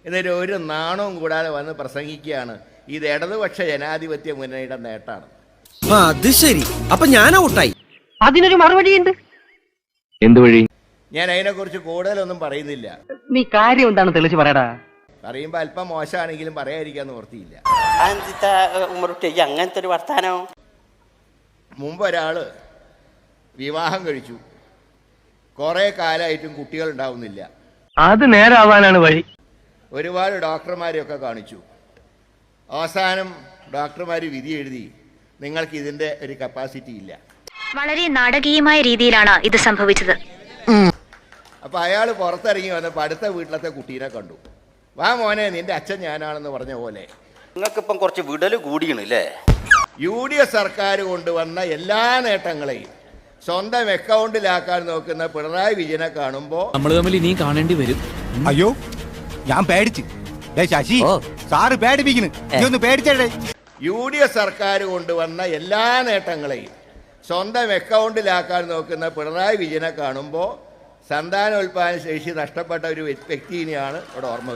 എന്നിട്ട് ഒരു നാണവും കൂടാതെ വന്ന് പ്രസംഗിക്കുകയാണ് ഇത് ഇടതുപക്ഷ ജനാധിപത്യ മുന്നണിയുടെ നേട്ടമാണ്. അത് ശരി, അപ്പൊ ഞാൻ ഔട്ടായി. അതിനൊരു മറുപടിയുണ്ട്. എന്ത് വഴി? ഞാൻ അതിനെക്കുറിച്ച് കൂടുതലൊന്നും പറയുന്നില്ല. നീ കാര്യം എന്താണ് തെളിച്ച് പറയടാ. പറയുമ്പോൾ അല്പം മോശമാണെങ്കിലും പറയാതിരിക്കാൻ നിവൃത്തിയില്ല. അങ്ങനത്തെ ഒരു വർത്താനോ? മുമ്പ് ഒരാൾ വിവാഹം കഴിച്ചു, കുറേ കാലമായിട്ടും കുട്ടികൾ ഉണ്ടാവുന്നില്ല. അത് നേരാവാനാണ് വഴി. ഒരുപാട് ഡോക്ടർമാരെയൊക്കെ കാണിച്ചു. അവസാനം ഡോക്ടർമാർ വിധി എഴുതി നിങ്ങൾക്ക് ഇതിൻ്റെ ഒരു കപ്പാസിറ്റി ഇല്ല. വളരെ നാടകീയമായ രീതിയിലാണ് ഇത് സംഭവിച്ചത്. അപ്പോൾ അയാൾ പുറത്തിറങ്ങി വന്നപ്പോൾ അടുത്ത വീട്ടിലത്തെ കുട്ടീനെ കണ്ടു. വാ മോനെ, നിന്റെ അച്ഛൻ ഞാനാണെന്ന് പറഞ്ഞ പോലെ. നിങ്ങൾക്കിപ്പം കുറച്ച് വിടൽ കൂടിയണല്ലേ? UDF സർക്കാർ കൊണ്ടുവന്ന എല്ലാ നേട്ടങ്ങളെയും സ്വന്തം അക്കൗണ്ടിലാക്കാൻ നോക്കുന്ന പിണറായി വിജയനെ കാണുമ്പോൾ നമ്മൾ തമ്മിൽ ഇനി കാണേണ്ടി വരും. അയ്യോ, ഞാൻ പേടിച്ച്. ശശി സാറ് പേടിപ്പിക്കുന്നു, നീ പേടിച്ചേ. UDF സർക്കാർ കൊണ്ടുവന്ന എല്ലാ നേട്ടങ്ങളെയും സ്വന്തം അക്കൗണ്ടിലാക്കാൻ നോക്കുന്ന പിണറായി വിജയനെ കാണുമ്പോൾ സന്താനോൽപാദന ശേഷി നഷ്ടപ്പെട്ട ഒരു വ്യക്തിനെയാണ് ഇവിടെ ഓർമ്മ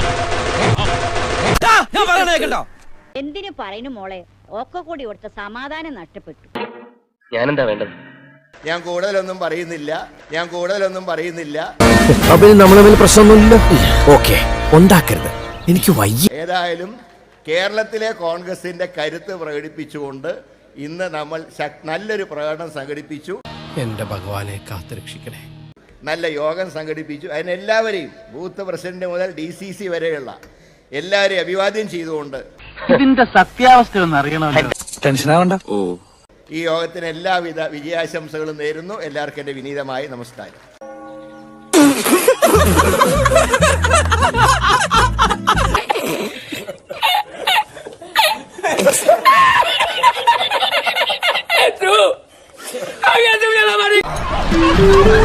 വരുന്നത്. എന്തിനു പറയുന്നു മോളെ, ഒക്കെ കൂടി കൊടുത്ത സമാധാനം നഷ്ടപ്പെട്ടു. ഞാനെന്താ വേണ്ടത്? ഞാൻ കൂടുതലൊന്നും പറയുന്നില്ല. അപ്പൊ നമ്മൾ തമ്മിൽ പ്രശ്നമൊന്നുമില്ല. ഓക്കെ, ഉണ്ടാക്കരുത്, എനിക്ക് വയ്യ. ഏതായാലും കേരളത്തിലെ കോൺഗ്രസിന്റെ കരുത്ത് പ്രകടിപ്പിച്ചുകൊണ്ട് ഇന്ന് നമ്മൾ നല്ലൊരു പ്രകടനം സംഘടിപ്പിച്ചു. എന്റെ ഭഗവാനെ കാത്തുരക്ഷിക്കണേ. നല്ല യോഗം സംഘടിപ്പിച്ചു. അതിനെല്ലാവരെയും ബൂത്ത് പ്രസിഡന്റ് മുതൽ DCC വരെയുള്ള എല്ലാവരെയും അഭിവാദ്യം ചെയ്തുകൊണ്ട് ഇതിന്റെ സത്യാവസ്ഥ ഒന്ന് അറിയണമല്ലോ. ടെൻഷനാവണ്ട. ഈ യോഗത്തിന് എല്ലാവിധ വിജയാശംസകളും നേരുന്നു. എല്ലാവർക്കും എൻ്റെ വിനീതമായ നമസ്കാരം. True.